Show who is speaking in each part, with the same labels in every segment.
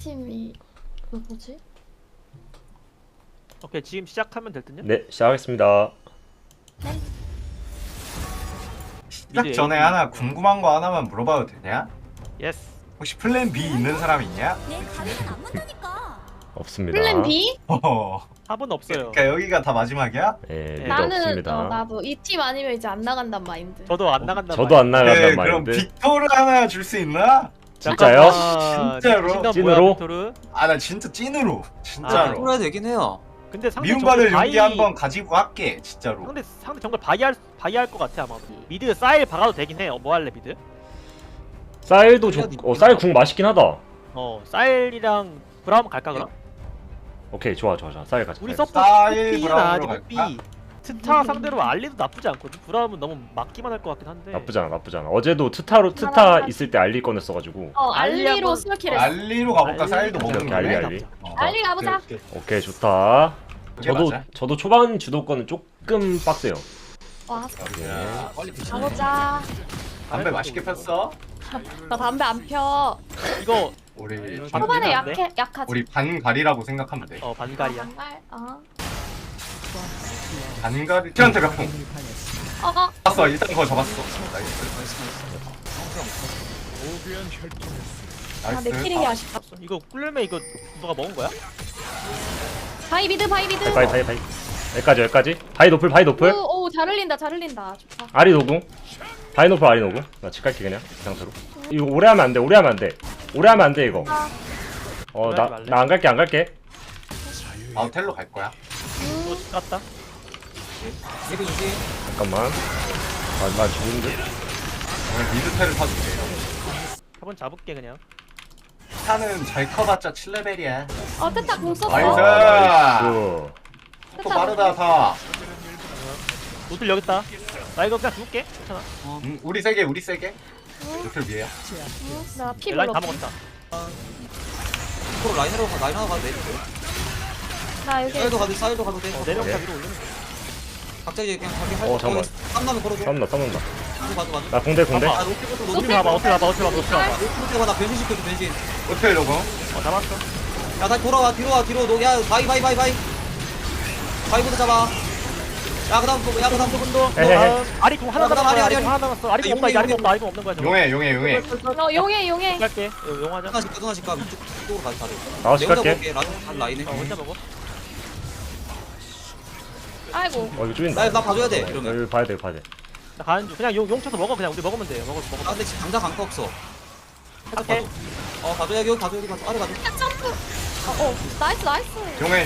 Speaker 1: 팀이 그 뭐지?
Speaker 2: 오케이 지금 시작하면 될 듯요?
Speaker 3: 네, 시작하겠습니다.
Speaker 4: 시작 전에 하나 궁금한 거 하나만 물어봐도 되냐?
Speaker 2: 예스.
Speaker 4: 혹시 플랜 B 있는 사람 있냐?
Speaker 5: 내 가면은 안 문다니까.
Speaker 3: 없습니다.
Speaker 1: 플랜 B?
Speaker 2: 합은 없어요.
Speaker 4: 그러니까 여기가 다 마지막이야?
Speaker 3: 네, 미드
Speaker 1: 나는
Speaker 3: 없습니다.
Speaker 1: 나도 이 팀 아니면 이제 안 나간단 마인드.
Speaker 2: 저도 안 나간다.
Speaker 3: 저도 안 나간단
Speaker 4: 네, 그럼
Speaker 3: 말인데.
Speaker 4: 빅토르 하나 줄 수 있나?
Speaker 3: 진짜요?
Speaker 4: 진짜로?
Speaker 3: 찐으로?
Speaker 2: 빅토르?
Speaker 4: 아 나 진짜 찐으로
Speaker 2: 아,
Speaker 4: 진짜로
Speaker 6: 풀어야 되긴 해요.
Speaker 2: 근데 상대
Speaker 4: 미움받을
Speaker 2: 정글
Speaker 4: 용기 한번 가지고 갈게 진짜로.
Speaker 2: 상대 정글 바이할 것 같아 아마. 미드 쌀 박아도 되긴 해요. 뭐 할래 미드?
Speaker 3: 쌀도 쌀 궁 맛있긴 하다.
Speaker 2: 쌀이랑 브라움 갈까 그럼?
Speaker 3: 오케이, 좋아. 쌀 가자.
Speaker 2: 우리
Speaker 3: 쌀.
Speaker 2: 서포
Speaker 4: 쌀
Speaker 2: B나
Speaker 4: 브라움으로
Speaker 2: 아직
Speaker 4: 갈까?
Speaker 2: B 트타 상대로 알리도 나쁘지 않거든. 브라움은 너무 막기만 할 것 같긴 한데.
Speaker 3: 나쁘지 않아. 어제도 트타 있을 때 알리 꺼냈어가지고.
Speaker 2: 알리
Speaker 1: 알리로
Speaker 2: 한번-
Speaker 1: 스킬했어.
Speaker 4: 알리로 가볼까?
Speaker 2: 알리
Speaker 4: 쌀도
Speaker 2: 가자.
Speaker 4: 먹는
Speaker 3: 알리,
Speaker 4: 거네.
Speaker 3: 알리.
Speaker 1: 알리 가보자.
Speaker 4: 오케이, 오케이.
Speaker 3: 오케이, 좋다.
Speaker 4: 그게 맞아.
Speaker 3: 저도 초반 주도권은 조금 빡세요.
Speaker 1: 와,
Speaker 4: 야,
Speaker 6: 빨리 드시.
Speaker 1: 가보자.
Speaker 4: 담배 맛있게 폈어?
Speaker 1: 나 담배 안 펴.
Speaker 2: 이거
Speaker 4: 우리
Speaker 1: 초반에
Speaker 2: 미안한데?
Speaker 1: 약하지.
Speaker 4: 우리 반갈이라고 생각하면 돼.
Speaker 2: 반갈이야.
Speaker 1: 반갈.
Speaker 4: 반갈이 티한테 몇 분? 잡았어. 일단 그거 잡았어. 나이스.
Speaker 1: 내
Speaker 4: 나이스.
Speaker 1: 키링이 아쉽다.
Speaker 2: 이거 꿀매 이거 누가 먹은 거야?
Speaker 1: 바이 미드.
Speaker 3: 바이. 여기까지. 바이 노플.
Speaker 1: 오, 잘 흘린다. 좋다.
Speaker 3: 아리 노궁. 바이 노플, 아리 노궁. 나 집 갈게 그냥 이 상태로. 이거 오래 하면 안 돼. 오래 하면 안 돼 이거. 나 안 갈게.
Speaker 4: 아 텔로 갈 거야.
Speaker 2: 또 깠다.
Speaker 6: 예비 주지.
Speaker 3: 잠깐만. 나 죽는데.
Speaker 4: 오늘 미드 텔을 사줄게.
Speaker 2: 한번 잡을게 그냥.
Speaker 4: 타는 잘 커봤자 7레벨이야.
Speaker 1: 테타 공 썼어.
Speaker 4: 나이스.
Speaker 3: 나이스.
Speaker 4: 또 빠르다 다.
Speaker 2: 노틀 여기 있다. 나 이거 그냥 죽을게. 괜찮아.
Speaker 4: 우리 세게. 노틀 위에야.
Speaker 1: 나피
Speaker 2: 라인
Speaker 1: 별로
Speaker 2: 다
Speaker 1: 없어.
Speaker 2: 먹었다.
Speaker 6: 앞으로 라인으로 가도 돼.
Speaker 1: 나 여기
Speaker 6: 사이도 가도 돼.
Speaker 2: 내려오다
Speaker 3: 오케이.
Speaker 2: 위로 올리면 돼.
Speaker 6: 각자 이제 그냥 가게 할
Speaker 3: 잠깐만.
Speaker 6: 땀나면 걸어줘.
Speaker 3: 싸운다.
Speaker 6: 가도.
Speaker 3: 나 공대.
Speaker 2: 봐봐.
Speaker 6: 아 노트부터
Speaker 2: 어떻게 봐봐. 어떻게 봐봐.
Speaker 6: 노트부터 봐. 나 변신 시켜줘 변신.
Speaker 4: 노틀 로고.
Speaker 2: 잡았어.
Speaker 6: 야 다시 돌아와 뒤로 야 바이부터 잡아. 야 그다음 또
Speaker 3: 헤헤헤.
Speaker 2: 아리 공 하나 남았어.
Speaker 6: 아리.
Speaker 2: 아리 공 하나 남았어. 아리 공 없다.
Speaker 6: 용해,
Speaker 2: 아리 공 없다. 아리 공 없는 거야. 저거.
Speaker 4: 용해.
Speaker 1: 용해.
Speaker 2: 갈게. 용하자.
Speaker 6: 하나씩 가 이쪽으로 가자 다들.
Speaker 3: 나와서
Speaker 6: 내가
Speaker 3: 갈게.
Speaker 6: 볼게. 라인에.
Speaker 2: 혼자 먹어.
Speaker 1: 아이고.
Speaker 3: 이거 쪼인다.
Speaker 6: 나 봐줘야 돼 이러면.
Speaker 3: 여기 봐야 돼.
Speaker 2: 나 가는 중. 그냥 용 쳐서 먹어. 그냥 우리 먹으면 돼. 먹어.
Speaker 6: 아 근데 지금 당장 강타 없어.
Speaker 2: 오케이.
Speaker 6: 봐줘 여기 봐줘 아래 봐줘.
Speaker 1: 점프. 나이스.
Speaker 4: 용해.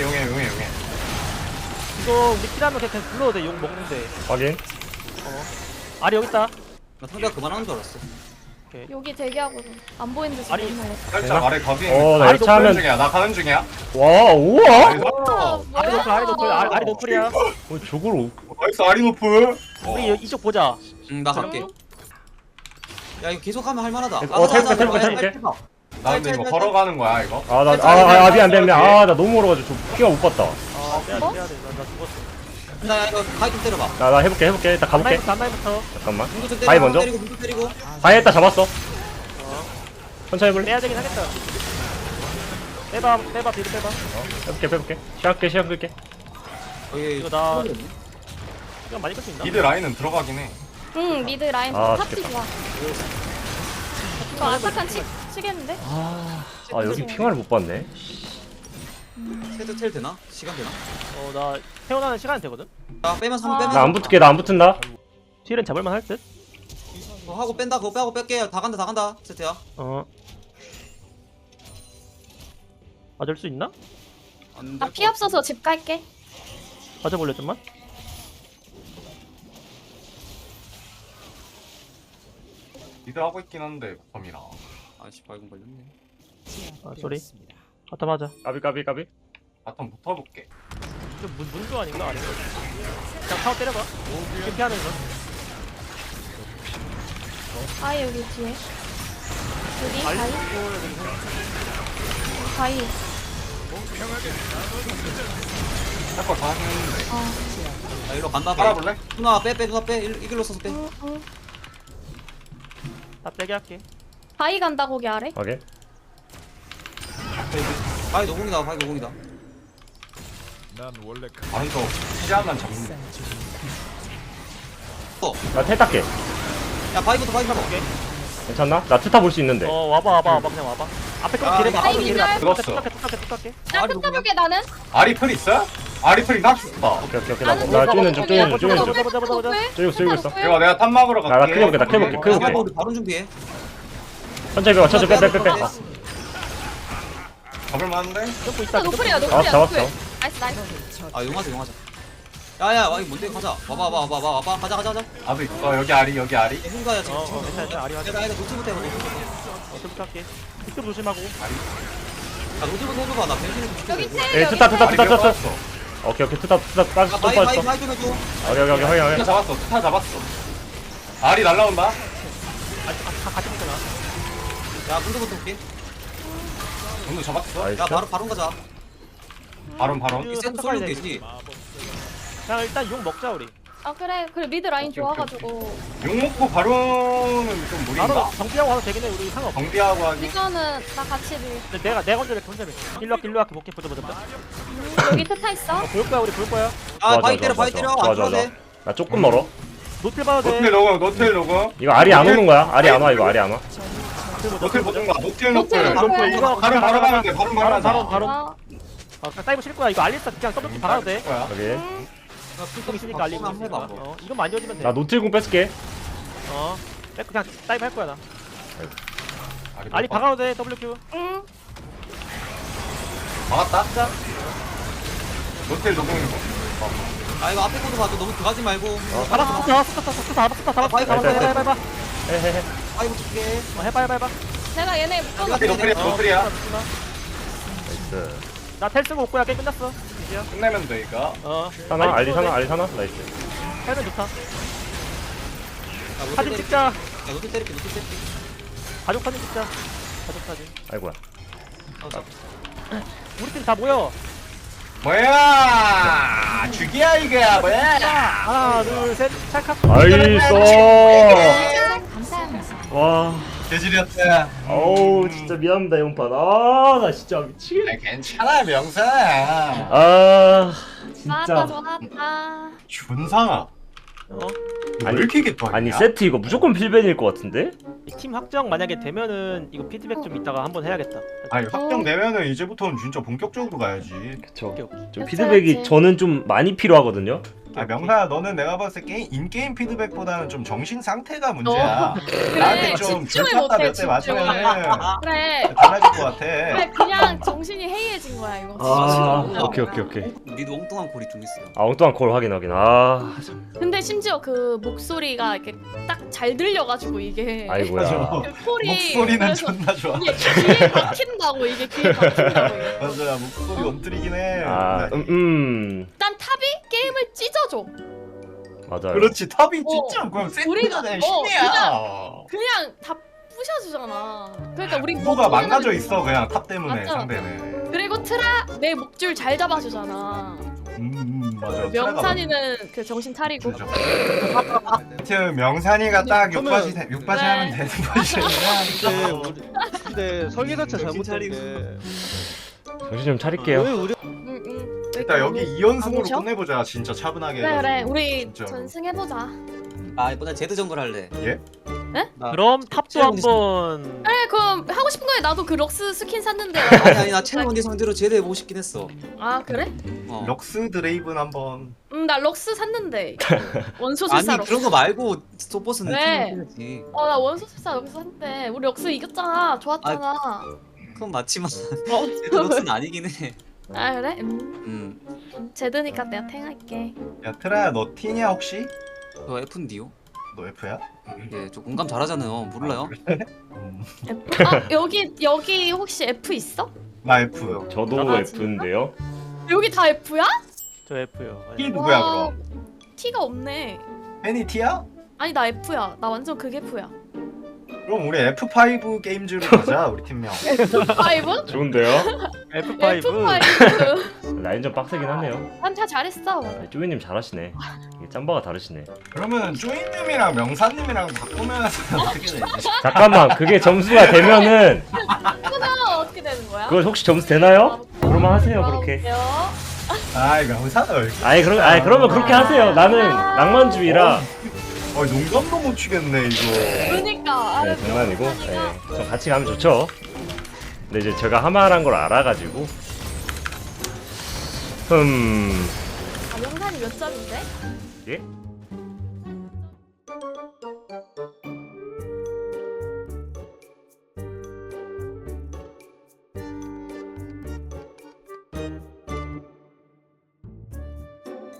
Speaker 2: 이거 우리 킬하면 그냥 불러도 돼. 용 먹는데.
Speaker 3: 확인.
Speaker 2: 아리 여기 있다.
Speaker 6: 나 상대가 그만하는 줄 알았어.
Speaker 1: 여기 대기하고 안 보이는 데서
Speaker 2: 아니.
Speaker 1: 맨날.
Speaker 4: 살짝 아래 가비.
Speaker 3: 나
Speaker 2: 아리
Speaker 3: 여차하면
Speaker 4: 나 가는 중이야.
Speaker 3: 와, 우와.
Speaker 2: 아리 노플이야.
Speaker 3: 저걸
Speaker 4: 나이스 아리노프.
Speaker 2: 우리 이쪽 보자.
Speaker 6: 나 갈게. 야 이거 계속하면 할만하다.
Speaker 3: 텔포.
Speaker 4: 나 근데 이거 걸어가는 거야 이거.
Speaker 3: 미안. 나 너무 멀어가지고 저 피가 못 봤다.
Speaker 2: 빼야 돼. 나 죽었어.
Speaker 6: 나 이거 바이 좀 때려봐.
Speaker 3: 나 해볼게. 일단 가볼게.
Speaker 2: 단나이부터
Speaker 3: 잠깐만.
Speaker 6: 문도 좀 때리고.
Speaker 3: 바이 먼저.
Speaker 6: 문도 때리고.
Speaker 3: 바이 했다 잡았어. 천천히 해볼래?
Speaker 2: 빼야 되긴 하겠다. 빼봐. 뒤로 빼봐.
Speaker 3: 빼볼게. 시간 끌게.
Speaker 2: 이거 나 시간 많이 끌 수 있나?
Speaker 4: 미드 라인은 들어가긴 해.
Speaker 1: 응, 미드 라인 탑지
Speaker 3: 죽겠다.
Speaker 1: 좋아. 이거 아타칸 치겠는데?
Speaker 3: 여기 핑화를 못 봤네.
Speaker 6: 세트 텔 되나? 시간 되나?
Speaker 2: 나 태어나는 시간이 되거든.
Speaker 6: 야 빼면
Speaker 1: 아.
Speaker 6: 빼면.
Speaker 3: 나 안 붙을게. 나 안 붙은다.
Speaker 2: 틸은 잡을만 할 듯.
Speaker 6: 그거 하고 뺀다. 그거 빼고 뺄게. 다 간다. 세트야.
Speaker 2: 맞을 수 있나?
Speaker 6: 안
Speaker 1: 나 피 없어서 집 갈게.
Speaker 2: 맞아볼래 좀만.
Speaker 4: 미드 하고 있긴 한데 범이라.
Speaker 6: 아씨 발공 걸렸네.
Speaker 2: 쏘리. 갖다 맞아.
Speaker 3: 까비.
Speaker 4: 바텀 붙어볼게.
Speaker 2: 좀 문조 아닌가? 아닌가? 그냥 타워 때려봐. 이렇게 피하면서.
Speaker 1: 바이 여기 뒤에. 여기
Speaker 2: 바이?
Speaker 1: 바이.
Speaker 4: 할거 다 했는데.
Speaker 6: 야 이리로 간다.
Speaker 4: 깔아볼래?
Speaker 6: 누나 빼. 이 길로 써서 빼.
Speaker 1: 응.
Speaker 2: 다 빼게 할게.
Speaker 1: 바이 간다 거기 아래.
Speaker 3: 확인.
Speaker 6: 바이 노공이다 바이 노공이다.
Speaker 4: 바로 또 시야만 잡는.
Speaker 3: 나 탈탈게.
Speaker 6: 야 바이부터 바이 잡아.
Speaker 3: 괜찮나? 나 트타 볼 수 있는데.
Speaker 2: 와봐 그냥 와봐. 앞에 거
Speaker 6: 아,
Speaker 2: 기대 봐.
Speaker 1: 아이,
Speaker 2: 기대 봐.
Speaker 4: 죽었어.
Speaker 2: 뚝딱해.
Speaker 1: 나 끝까볼게 나는.
Speaker 4: 아리플 있어? 아리플이 나 죽어.
Speaker 3: 오케이.
Speaker 1: 나는
Speaker 3: 나 쪼이는 중.
Speaker 2: 보자,
Speaker 3: 쪼이고 있어.
Speaker 4: 이거 내가 탑 막으러 갈게.
Speaker 3: 나 크게 볼게, 나 크게 볼게, 크게
Speaker 6: 야
Speaker 3: 볼게.
Speaker 6: 우리 바로 준비해.
Speaker 3: 천천히 빼봐, 천천히 빼.
Speaker 4: 잡을만한데?
Speaker 2: 쫓고 있다.
Speaker 1: 노플이야
Speaker 3: 잡았어, 잡았어.
Speaker 1: 나이스.
Speaker 6: 아 용하자. 야야 와 이거 뭔데 가자. 와봐 가자.
Speaker 4: 아도 있어. 여기 아리.
Speaker 6: hun가야 지금.
Speaker 2: 괜찮아. 아리
Speaker 6: 내가 노트부터 해봐.
Speaker 2: 뚝딱해. 뚝 조심하고.
Speaker 6: 야 노트부터 해봐. 나 변신해 줄게.
Speaker 1: 여기 텔
Speaker 3: 에
Speaker 1: 여기
Speaker 3: 트타.
Speaker 4: 아리 몇
Speaker 3: 오케이,
Speaker 4: 받았어?
Speaker 3: 트타 빠졌어, 또
Speaker 6: 바이
Speaker 3: 빠졌어.
Speaker 6: 좀 해줘.
Speaker 3: 오케이, 확인.
Speaker 4: 스타 잡았어. 스타 잡았어. 아리 날라온다.
Speaker 2: 같이 붙잖아.
Speaker 6: 야 문도부터 올게.
Speaker 4: 문도 잡았어.
Speaker 3: 나이스.
Speaker 6: 야 바로 가자.
Speaker 4: 바론.
Speaker 6: 이 세트 쏠리면 되지.
Speaker 2: 그냥 일단 용 먹자 우리.
Speaker 1: 아 그래 미드 라인
Speaker 4: 오케이,
Speaker 1: 좋아가지고
Speaker 4: 욕 먹고 바론은 좀
Speaker 2: 바로
Speaker 4: 무리인가?
Speaker 2: 정비하고 와도 되긴 해. 우리 상관없어.
Speaker 4: 정비하고 하기.
Speaker 1: 이거는 나 같이 밀.
Speaker 2: 근데 내가 먼저 이렇게 혼자 일로 할게 볼게. 보자.
Speaker 1: 여기 트타 있어.
Speaker 2: 볼 거야 우리 볼 거야.
Speaker 6: 아 바이 때려 바이 때려. 안
Speaker 3: 좋아.
Speaker 6: 들어도 돼.
Speaker 3: 나 조금 멀어.
Speaker 2: 노틸 봐도 돼.
Speaker 4: 노텔 로고.
Speaker 3: 이거 알이 안 오는 거야? 알이 안 와, 이거 알이 안 와.
Speaker 4: 노텔 보던가. 노텔
Speaker 1: 노텔
Speaker 4: 노플.
Speaker 1: 노플.
Speaker 2: 이거
Speaker 4: 바로 가면 돼. 바로
Speaker 2: 바로.
Speaker 1: 아,
Speaker 2: 그냥 다이브 칠 거야. 이거 알리스 그냥 더블 박아도 돼.
Speaker 4: 거야.
Speaker 3: 여기.
Speaker 2: 좀 있으니까 알리고.
Speaker 6: 한번 해봐.
Speaker 2: 이것만 안 지워지면 돼.
Speaker 3: 나 노틸궁 뺏을게.
Speaker 2: 뺏고 그냥 다이브 할 거야 나.
Speaker 4: 아리
Speaker 2: 알리 박아도 돼. WQ.
Speaker 1: 응.
Speaker 4: 막았다. 노텔 노공이고.
Speaker 6: 아 이거 앞에 거도 봐도 너무 들어가지 말고.
Speaker 2: 잡았어.
Speaker 6: 바이
Speaker 2: 해봐.
Speaker 3: 헤헤헤.
Speaker 6: 바이부터 줄게.
Speaker 2: 해봐.
Speaker 1: 내가 얘네 묶어놓을게.
Speaker 4: 노플이야.
Speaker 3: 나이스.
Speaker 2: 나 텔 쓰고 올 거야. 게임 끝났어. 이제야.
Speaker 4: 끝내면 돼 이거.
Speaker 3: 사나? 알리 사나? 나이스.
Speaker 2: 헬멧 좋다.
Speaker 6: 노트
Speaker 2: 사진
Speaker 6: 때릴게.
Speaker 2: 찍자.
Speaker 6: 야 노트 때릴게.
Speaker 2: 가족 사진 찍자. 가족 사진.
Speaker 3: 아이고야.
Speaker 2: 우리 팀 다 모여.
Speaker 4: 뭐야? 죽이야 이거야 뭐야?
Speaker 2: 하나, 둘, 셋. 찰칵.
Speaker 3: 나이스.
Speaker 1: 감사합니다.
Speaker 3: 와.
Speaker 4: 개질이었다.
Speaker 3: 어우, 진짜 미안합니다, 용판. 아, 나 진짜 미치겠네.
Speaker 4: 괜찮아 명사.
Speaker 3: 아, 진짜.
Speaker 1: 좋았다.
Speaker 4: 준상아. 왜 이렇게 개판이야?
Speaker 3: 아니, 세트 이거 무조건 필벤일 것 같은데?
Speaker 2: 팀 확정 만약에 되면은 이거 피드백 좀 이따가 한번 해야겠다.
Speaker 4: 아니 확정되면은 이제부터는 진짜 본격적으로 가야지.
Speaker 3: 그쵸.
Speaker 2: 오케이.
Speaker 3: 좀
Speaker 1: 그쵸,
Speaker 3: 피드백이
Speaker 1: 그치.
Speaker 3: 저는 좀 많이 필요하거든요.
Speaker 4: 아 명사야 너는 내가 봤을 때 인게임 피드백보다는 좀 정신 상태가 문제야.
Speaker 1: 그래,
Speaker 4: 나한테 좀
Speaker 1: 집중을
Speaker 4: 들켰다
Speaker 1: 못해,
Speaker 4: 몇 대 맞으면은
Speaker 1: 그래.
Speaker 4: 달라질 것 같아.
Speaker 1: 그래 그냥 정신이 해이해진 거야 이거.
Speaker 3: 아, 오케이.
Speaker 6: 니도 엉뚱한 골이 좀 있어.
Speaker 3: 아, 엉뚱한 콜 확인. 아, 참.
Speaker 1: 근데 심지어 그 목소리가 이렇게 딱 잘 들려가지고 이게
Speaker 3: 아이고야.
Speaker 1: 그 콜이
Speaker 4: 목소리는
Speaker 1: 그래서
Speaker 4: 존나 좋아.
Speaker 1: 이게 귀에 박힌다고 이게 귀에 박힌다고 이게.
Speaker 4: 맞아 목소리 엄들이긴 해.
Speaker 3: 아,
Speaker 1: 일단 탑이 게임을 찢어줘.
Speaker 3: 맞아요.
Speaker 4: 그렇지 탑이 진짜 그럼
Speaker 1: 우리가-
Speaker 4: 센터네 신이야.
Speaker 1: 그냥 다 부셔주잖아. 그러니까 우리
Speaker 4: 누가
Speaker 1: 뭐
Speaker 4: 망가져 있어 그냥 탑 때문에
Speaker 1: 맞아.
Speaker 4: 상대는.
Speaker 1: 그리고 트라 내 목줄 잘 잡아주잖아.
Speaker 4: 맞아.
Speaker 1: 명산이는 그 정신 차리고.
Speaker 4: 하여튼 명산이가 딱
Speaker 7: 저는-
Speaker 4: 6바지
Speaker 1: 네.
Speaker 4: 하면 되는 거지.
Speaker 7: 근데 설계 자체 잘못된 게
Speaker 3: 정신 좀 차릴게요.
Speaker 7: 왜 우리
Speaker 4: 일단 여기
Speaker 1: 안
Speaker 4: 2연승으로
Speaker 1: 오셔?
Speaker 4: 끝내보자 진짜 차분하게.
Speaker 1: 그래
Speaker 4: 해가지고.
Speaker 1: 우리
Speaker 4: 진짜로.
Speaker 1: 전승해보자.
Speaker 6: 아 이번에 제드 정글 할래.
Speaker 4: 예?
Speaker 2: 그럼 탑도 한번.
Speaker 1: 그래 그럼 하고 싶은 거에 나도 그 럭스 스킨 샀는데.
Speaker 6: 아니 나 채널 언니 상대로 제드 해보고 싶긴 했어.
Speaker 1: 아 그래?
Speaker 4: 럭스 드레이븐 한번.
Speaker 1: 나 럭스 샀는데
Speaker 6: 아니
Speaker 1: 원소술사 럭스.
Speaker 6: 그런 거 말고 소보스는
Speaker 1: 왜?
Speaker 6: 팀을 해야지.
Speaker 1: 나 원소술사 럭스 샀는데 우리 럭스 이겼잖아. 좋았잖아.
Speaker 6: 그건 맞지만 제드 럭스는 아니긴 해.
Speaker 1: 아 그래? 제드니까 내가 탱할게.
Speaker 4: 야 트라야 너 T냐 혹시?
Speaker 6: 저 F인데요?
Speaker 4: 너 F야?
Speaker 6: 예, 저 공감 잘하잖아요. 몰라요?
Speaker 1: F? 아 여기 혹시 F 있어?
Speaker 4: 나 F.
Speaker 3: 저도
Speaker 1: 아, 진짜?
Speaker 3: F인데요.
Speaker 1: 여기 다 F야?
Speaker 2: 저 F요.
Speaker 4: T 누구야
Speaker 1: 와,
Speaker 4: 그럼?
Speaker 1: T가 없네.
Speaker 4: 팬이 T야?
Speaker 1: 아니 나 F야. 나 완전 그게 F야.
Speaker 4: 그럼 우리 F5 게임즈로 가자 우리 팀명.
Speaker 1: F5?
Speaker 3: 좋은데요?
Speaker 2: F5.
Speaker 1: F5.
Speaker 3: 라인 좀 빡세긴 하네요.
Speaker 1: 한타 잘했어.
Speaker 3: 아, 쪼이님 잘하시네. 이게 짬바가 다르시네.
Speaker 4: 그러면 쪼이님이랑 명사님이랑 바꾸면 어떻게 되지?
Speaker 3: 잠깐만, 그게 점수가 되면은
Speaker 1: 하나 어떻게 되는 거야?
Speaker 3: 그거 혹시 점수 되나요? 그러면 하세요 그렇게.
Speaker 4: 아이 명사를.
Speaker 3: 그러면 그렇게 하세요. 나는 낭만주의라.
Speaker 4: 농담도 못 치겠네 이거.
Speaker 1: 그러니까.
Speaker 3: 네, 장난이고. 네, 좀 같이 가면 좋죠. 근데 이제 제가 하마란 걸 알아가지고.
Speaker 1: 아, 명산이 몇 점인데?
Speaker 3: 예?